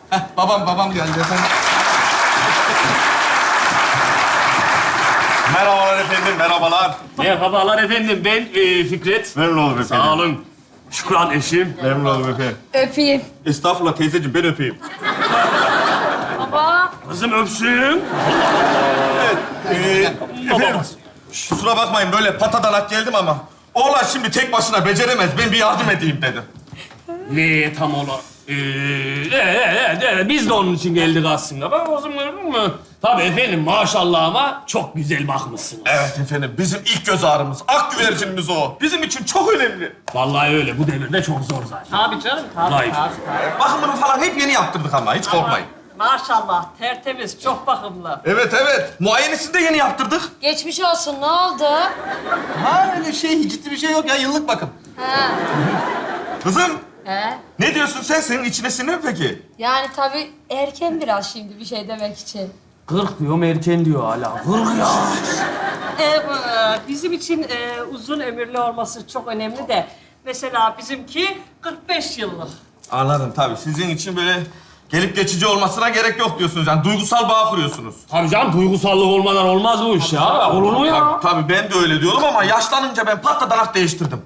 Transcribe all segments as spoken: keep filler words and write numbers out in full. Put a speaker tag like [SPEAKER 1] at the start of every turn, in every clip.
[SPEAKER 1] Heh, babam babam geldi efendim.
[SPEAKER 2] Merhabalar efendim, merhabalar.
[SPEAKER 3] Merhabalar efendim, ben e, Fikret.
[SPEAKER 2] Memnun oldum efendim.
[SPEAKER 3] Sağ olun. Şükran eşim.
[SPEAKER 2] Memnun oldum efendim.
[SPEAKER 4] Öpeyim.
[SPEAKER 2] Estağfurullah teyzeciğim, ben öpeyim.
[SPEAKER 4] Baba.
[SPEAKER 3] Kızım öpsün.
[SPEAKER 2] Ee, efendim, kusura bakmayın böyle patadanak geldim ama... Oğlan şimdi tek başına beceremez, ben bir yardım edeyim dedim.
[SPEAKER 3] Ne tam olarak? Ee, e, e, e, biz de onun için geldik aslında. Bak o zaman mı? Tabii efendim maşallah ama çok güzel bakmışsınız.
[SPEAKER 2] Evet efendim, bizim ilk göz ağrımız, ak güvercinimiz o. Bizim için çok önemli.
[SPEAKER 3] Vallahi öyle, bu devirde çok zor zaten.
[SPEAKER 5] Tabii canım, tabii,
[SPEAKER 3] Hayır.
[SPEAKER 5] tabii, tabii.
[SPEAKER 2] Bakımını falan hep yeni yaptırdık ama, hiç korkmayın.
[SPEAKER 5] Maşallah, tertemiz, çok bakımlı.
[SPEAKER 2] Evet evet, muayenesini de yeni yaptırdık.
[SPEAKER 4] Geçmiş olsun. Ne oldu?
[SPEAKER 1] Ha öyle şey, ciddi bir şey yok ya. Yıllık bakım.
[SPEAKER 4] Ha.
[SPEAKER 2] Kızım,
[SPEAKER 4] He.
[SPEAKER 2] ne diyorsun sen? Senin içine sinir mi peki?
[SPEAKER 4] Yani tabii erken biraz şimdi bir şey demek için.
[SPEAKER 3] Kırk diyorum, erken diyor hala. Kırk ya.
[SPEAKER 5] Ee, bu, e, bizim için e, uzun ömürlü olması çok önemli de... Mesela bizimki kırk beş yıllık.
[SPEAKER 2] Anladım tabii. Sizin için böyle gelip geçici olmasına gerek yok diyorsunuz. Yani duygusal bağ kuruyorsunuz.
[SPEAKER 3] Tabii canım, duygusallık olmadan olmaz bu iş ya. Olur mu ya?
[SPEAKER 2] Tabii, tabii ben de öyle diyorum ama yaşlanınca ben patladanak değiştirdim.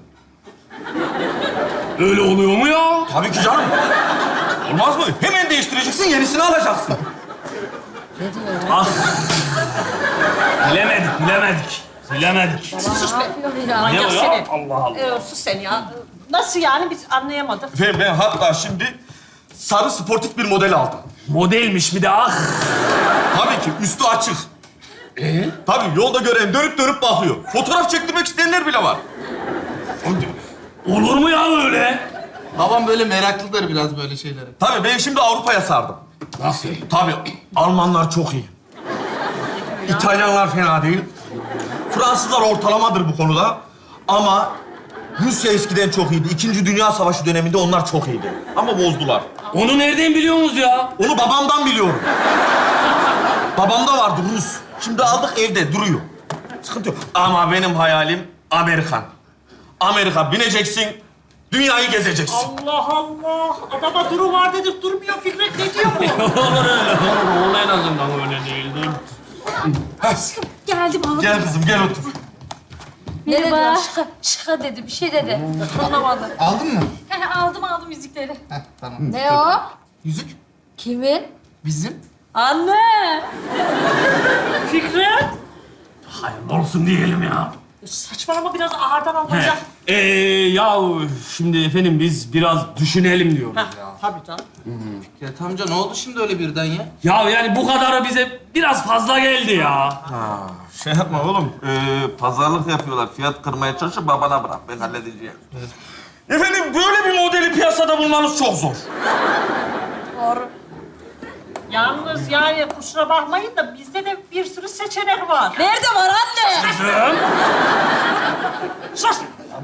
[SPEAKER 3] Öyle oluyor mu ya?
[SPEAKER 2] Tabii ki canım. Olmaz mı? Hemen değiştireceksin, yenisini alacaksın.
[SPEAKER 4] Ne diyor ya?
[SPEAKER 3] Ah. Bilemedik, bilemedik. Bilemedik.
[SPEAKER 4] Baba ne yapıyor ya?
[SPEAKER 3] Ne
[SPEAKER 5] Manyak
[SPEAKER 3] o ya?
[SPEAKER 5] seni.
[SPEAKER 3] Allah Allah.
[SPEAKER 5] Ee, sus sen ya. Nasıl yani? Biz anlayamadık.
[SPEAKER 2] Efendim ben hatta şimdi sarı sportif bir model aldım.
[SPEAKER 3] Modelmiş bir de ah.
[SPEAKER 2] Tabii ki üstü açık. Ee? Tabii yolda gören dönüp dönüp bakıyor. Fotoğraf çektirmek isteyenler bile var.
[SPEAKER 3] Olur mu ya öyle?
[SPEAKER 1] Babam böyle meraklıdır biraz böyle şeylere.
[SPEAKER 2] Tabii ben şimdi Avrupa'ya sardım.
[SPEAKER 3] Nasıl?
[SPEAKER 2] Tabii Almanlar çok iyi. İtalyanlar fena değil. Fransızlar ortalamadır bu konuda. Ama Rusya eskiden çok iyiydi. İkinci Dünya Savaşı döneminde onlar çok iyiydi. Ama bozdular.
[SPEAKER 3] Onu nereden biliyorsunuz ya?
[SPEAKER 2] Onu babamdan biliyorum. Babamda vardı Rus. Şimdi aldık evde duruyor. Sıkıntı yok. Ama benim hayalim Amerikan. Amerika bineceksin, dünyayı gezeceksin.
[SPEAKER 5] Allah Allah! Adama duru var dedik, durmuyor. Fikret ne diyor bu?
[SPEAKER 3] Olur öyle. Olur, olur en azından öyle değildir.
[SPEAKER 4] Geldim abi.
[SPEAKER 2] Gel kızım gel otur.
[SPEAKER 4] Ne dedi ya? Şıka, şıka dedi. Bir şey dedi. Anlamadım.
[SPEAKER 1] Aldın mı?
[SPEAKER 4] aldım aldım yüzükleri.
[SPEAKER 1] Heh, tamam.
[SPEAKER 4] Ne o?
[SPEAKER 1] Yüzük
[SPEAKER 4] Kimin?
[SPEAKER 1] bizim.
[SPEAKER 4] Anne.
[SPEAKER 5] Fikret!
[SPEAKER 3] Hayırlı olsun diyelim ya.
[SPEAKER 5] Saçmalama, biraz ağırdan al
[SPEAKER 3] He.
[SPEAKER 5] hocam.
[SPEAKER 3] Ee, ya şimdi efendim biz biraz düşünelim diyoruz
[SPEAKER 5] Heh,
[SPEAKER 3] ya.
[SPEAKER 5] tabii canım.
[SPEAKER 1] Fikret amca ne oldu şimdi öyle birden ya?
[SPEAKER 3] Ya yani bu kadarı bize biraz fazla geldi ya.
[SPEAKER 2] Şey yapma oğlum. Ee, pazarlık yapıyorlar. Fiyat kırmaya çalışıp babana bırak. Ben halledeceğim. Efendim böyle bir modeli piyasada bulmanız çok zor.
[SPEAKER 4] Doğru.
[SPEAKER 5] Yalnız yani kusura bakmayın da bizde de bir sürü seçenek var.
[SPEAKER 4] Nerede var anne?
[SPEAKER 3] Kızım.
[SPEAKER 5] Sus!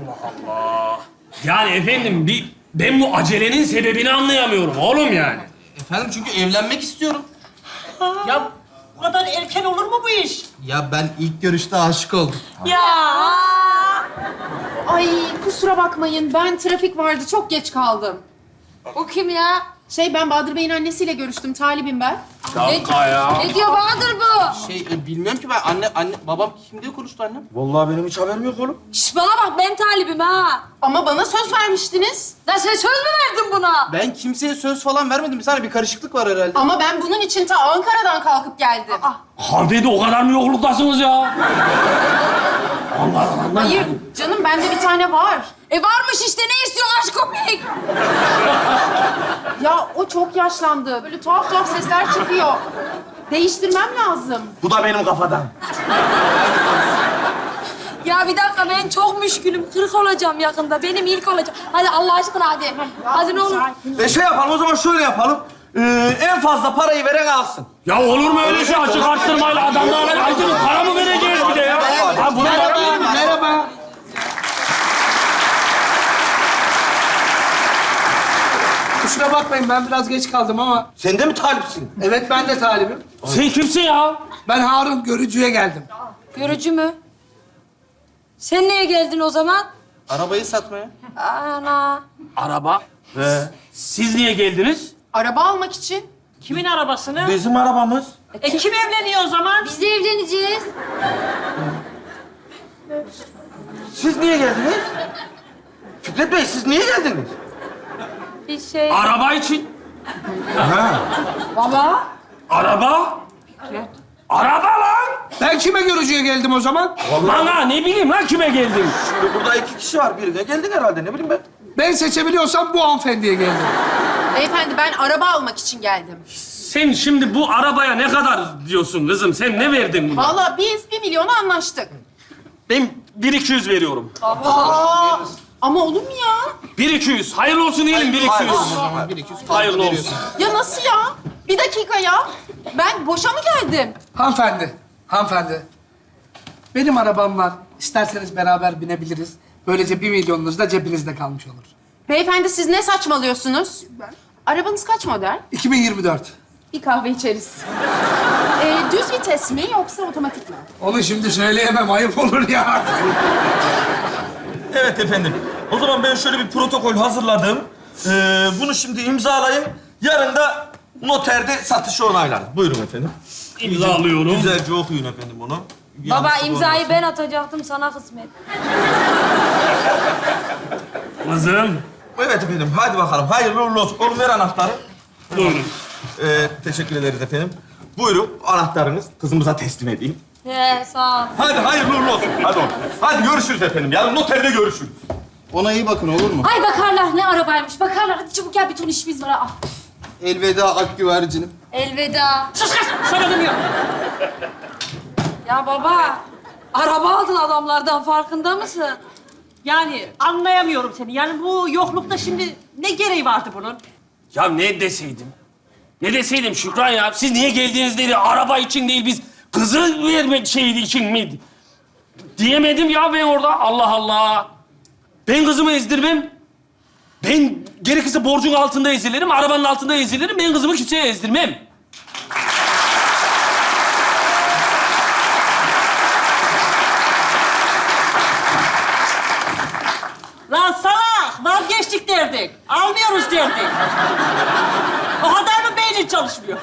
[SPEAKER 3] Yani efendim bir ben bu acelenin sebebini anlayamıyorum oğlum yani.
[SPEAKER 1] Efendim çünkü evlenmek istiyorum.
[SPEAKER 5] Ya bu kadar erken olur mu bu iş?
[SPEAKER 1] Ya ben ilk görüşte aşık oldum.
[SPEAKER 4] Ya.
[SPEAKER 6] Ay kusura bakmayın. Ben trafik vardı. Çok geç kaldım.
[SPEAKER 4] O kim ya?
[SPEAKER 6] Şey ben Bahadır Bey'in annesiyle görüştüm. Talibim ben.
[SPEAKER 3] Şaka ya.
[SPEAKER 4] Ne diyor Bahadır bu?
[SPEAKER 1] Şey e, bilmiyorum ki ben anne anne babam kim diye konuştu annem.
[SPEAKER 2] Vallahi benim hiç haberim yok oğlum.
[SPEAKER 4] Şş bana bak ben talibim ha.
[SPEAKER 6] Ama bana söz vermiştiniz.
[SPEAKER 4] Lan sen söz mü verdin buna?
[SPEAKER 1] Ben kimseye söz falan vermedim. Bir saniye bir karışıklık var herhalde.
[SPEAKER 6] Ama ben bunun için ta Ankara'dan kalkıp geldim.
[SPEAKER 3] Harbiye o kadar mı yokluktasınız ya? Allah Allah.
[SPEAKER 6] Hayır canım bende bir tane var.
[SPEAKER 4] E varmış işte ne istiyorsun aşk köpek?
[SPEAKER 6] Ya o çok yaşlandı. Böyle tuhaf tuhaf sesler çıkıyor. Değiştirmem lazım.
[SPEAKER 2] Bu da benim kafadan.
[SPEAKER 4] Ya bir dakika ben çok müşkülüm. Kırk olacağım yakında. Benim ilk olacak. Hadi Allah aşkına hadi. Hadi ne olur.
[SPEAKER 2] E şey yapalım o zaman şöyle yapalım. Ee, en fazla parayı veren alsın.
[SPEAKER 3] Ya olur mu öyle şey açık arttırmayla adamlara acınız para mı vereceğiz bir de ya? Ha buna
[SPEAKER 1] Merhaba, merhaba.
[SPEAKER 7] Kusura bakmayın ben biraz geç kaldım ama
[SPEAKER 2] Sen de mi talipsin?
[SPEAKER 7] evet ben de talibim.
[SPEAKER 3] Sen kimsin ya?
[SPEAKER 7] Ben Harun Görücü'ye geldim.
[SPEAKER 4] Görücü mü? Sen niye geldin o zaman?
[SPEAKER 1] Arabayı satmaya.
[SPEAKER 4] Ana.
[SPEAKER 3] Araba. Siz niye geldiniz?
[SPEAKER 6] Araba almak için.
[SPEAKER 5] Kimin arabasını?
[SPEAKER 2] Bizim arabamız.
[SPEAKER 5] E kim evleniyor o zaman?
[SPEAKER 4] Biz de evleneceğiz.
[SPEAKER 2] Siz niye geldiniz? Fikret Bey, siz niye geldiniz?
[SPEAKER 4] Bir şey...
[SPEAKER 3] Araba için.
[SPEAKER 2] Ha.
[SPEAKER 4] Baba.
[SPEAKER 3] Araba? Araba lan!
[SPEAKER 7] Ben kime görücüye geldim o zaman?
[SPEAKER 3] Lan ha, ne bileyim lan kime geldin?
[SPEAKER 2] Şimdi burada iki kişi var. Birine geldin herhalde, ne bileyim ben.
[SPEAKER 7] Ben seçebiliyorsam bu hanımefendiye geldim.
[SPEAKER 6] Beyefendi ben araba almak için geldim.
[SPEAKER 3] Sen şimdi bu arabaya ne kadar diyorsun kızım? Sen ne verdin buna?
[SPEAKER 6] Vallahi biz bir milyona anlaştık.
[SPEAKER 3] Ben bir iki yüz veriyorum.
[SPEAKER 6] Aa, ama olur mu ya?
[SPEAKER 3] Bir iki yüz. Hayırlı olsun diyelim bir iki yüz. Hayırlı olsun.
[SPEAKER 6] Ya nasıl ya? Bir dakika ya. Ben boşa mı geldim?
[SPEAKER 7] Hanımefendi, hanımefendi. Benim arabam var. İsterseniz beraber binebiliriz. Böylece bir milyonunuz da cebinizde kalmış olur.
[SPEAKER 6] Beyefendi siz ne saçmalıyorsunuz? Arabanız kaç model?
[SPEAKER 7] iki bin yirmi dört.
[SPEAKER 6] Bir kahve içeriz. Ee, düz vites mi yoksa otomatik mi?
[SPEAKER 7] Onu şimdi söyleyemem, ayıp olur ya.
[SPEAKER 2] Evet efendim. O zaman ben şöyle bir protokol hazırladım. Ee, bunu şimdi imzalayın. Yarın da noterde satışı onaylarız. Buyurun efendim.
[SPEAKER 3] İmzalıyorum.
[SPEAKER 2] Güzelce okuyun efendim bunu.
[SPEAKER 4] Baba
[SPEAKER 2] Yanlışlık
[SPEAKER 4] imzayı
[SPEAKER 2] olmasın.
[SPEAKER 4] ben atacaktım, sana kısmet.
[SPEAKER 3] Kızım.
[SPEAKER 2] Evet efendim, hadi bakalım. Hayırlı uğurlu olsun. Oğlum ver anahtarı.
[SPEAKER 3] Buyurun.
[SPEAKER 2] Ee, teşekkür ederiz efendim. Buyurun, anahtarınız. Kızımıza teslim edeyim.
[SPEAKER 4] He, sağ ol.
[SPEAKER 2] Hadi hayırlı uğurlu olsun. Hadi oğlum. Hadi görüşürüz efendim. Yarın noterde görüşürüz.
[SPEAKER 1] Ona iyi bakın olur mu?
[SPEAKER 4] Ay bakarlar, ne arabaymış. Bakarlar, hadi çabuk gel, bir ton işimiz var. Ah.
[SPEAKER 1] Elveda ak güvercinim.
[SPEAKER 4] Elveda.
[SPEAKER 5] Sus kız! Sana demiyorum.
[SPEAKER 4] Ya baba, araba aldın adamlardan, farkında mısın?
[SPEAKER 5] Yani anlayamıyorum seni. Yani bu yoklukta şimdi ne gereği vardı bunun?
[SPEAKER 3] Ya ne deseydim? Ne deseydim Şükran ya? Siz niye geldiniz dedi. Araba için değil, biz kızı vermek şeydi için miydi? Diyemedim ya ben orada. Allah Allah. Ben kızımı ezdirmem. Ben gerekirse borcun altında ezilirim, arabanın altında ezilirim. Ben kızımı kimseye ezdirmem.
[SPEAKER 5] Lan salak! Vazgeçtik derdik. Almıyoruz derdik. O kadar mı beynin çalışmıyor?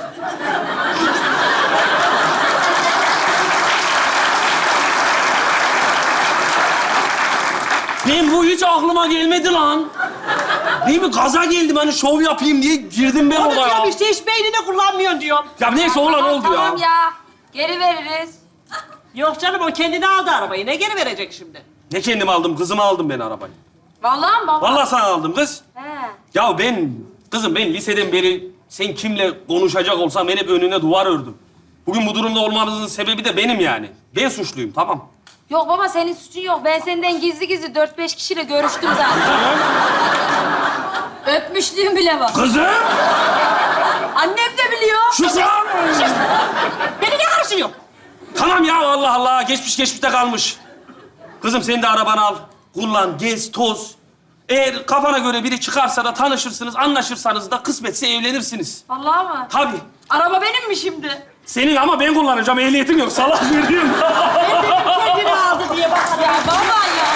[SPEAKER 3] Ben bu hiç aklıma gelmedi lan. Değil mi? Gaza geldim hani şov yapayım diye girdim ben
[SPEAKER 5] Onu
[SPEAKER 3] oraya.
[SPEAKER 5] diyorum işte hiç beynini kullanmıyorsun diyorum.
[SPEAKER 3] Ya neyse olan oldu ya.
[SPEAKER 4] Tamam ya, geri veririz.
[SPEAKER 5] Yok canım o kendine aldı arabayı. Ne geri verecek şimdi?
[SPEAKER 3] Ne kendim aldım, kızıma aldım ben arabayı.
[SPEAKER 4] Vallahi mi baba?
[SPEAKER 3] Vallahi sana aldım kız.
[SPEAKER 4] He.
[SPEAKER 3] Ya ben, kızım ben liseden beri sen kimle konuşacak olsam ben hep önüne duvar ördüm. Bugün bu durumda olmamızın sebebi de benim yani. Ben suçluyum, tamam.
[SPEAKER 4] Yok baba, senin suçun yok. Ben senden gizli gizli dört beş kişiyle görüştüm zaten. Öpmüşlüğüm bile var.
[SPEAKER 3] Kızım!
[SPEAKER 4] Annem de biliyor.
[SPEAKER 3] Şükran!
[SPEAKER 5] Beni ne karşılıyor?
[SPEAKER 3] Tamam ya Allah Allah, geçmiş geçmişte kalmış. Kızım sen de arabanı al, kullan, gez, toz. Eğer kafana göre biri çıkarsa da tanışırsınız, anlaşırsanız da kısmetse evlenirsiniz.
[SPEAKER 4] Vallahi mı?
[SPEAKER 3] Tabii.
[SPEAKER 4] Araba benim mi şimdi?
[SPEAKER 3] Senin ama ben kullanacağım, ehliyetim yok. Salak veriyorum.
[SPEAKER 5] Kendini aldı diye bak.
[SPEAKER 4] Ya baba ya.